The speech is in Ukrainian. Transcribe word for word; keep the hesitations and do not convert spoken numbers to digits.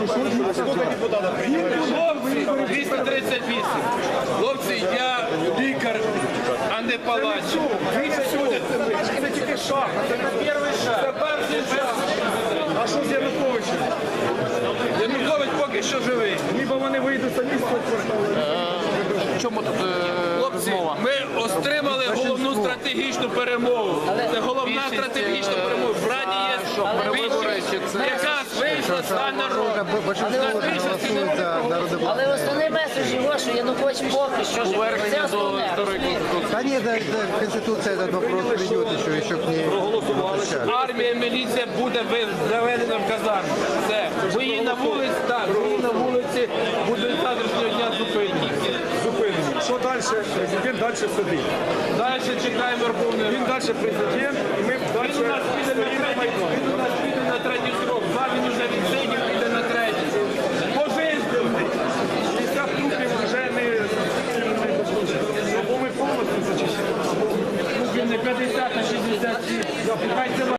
Хлопці, двісті тридцять вісім. Хлопці, я лікар, а не палач. Це тільки шаг, це не перший шаг. Це перший шаг. А що з Януковичем? Янукович поки що живий. Ніби вони вийдуть самі з цього кварталу. В чому тут е, Хлопці, розмова? ми отримали головну стратегічну перемогу. Це головна стратегічна перемога. В Раді є перевибори, чи це- якраз вийшла стан народу. Але основний меседж його, що Янукович поки що живе. Це Повернення до основне. старої конституції. Да нет, да, да, Конституция этот вопрос придет еще, еще к ней. Армія, міліція буде ви- заведена в казарму. Все. Бої на вулиці, так, бої на вулиці будуть з завтрашнього дня зупинені. Зупинені. Що далі? Президент далі сидить. Далі чекаємо Верховної Він Ради. далі президент, і ми далі Він у нас піде на стоїмо на третій, Майдані. він у нас піде на третій срок. Два він уже відсидів, піде на третій. Пожизнений. п'ятдесят трупів вже не або ми повністю зачищаємо. Не п'ятдесят на шістдесят. Хай це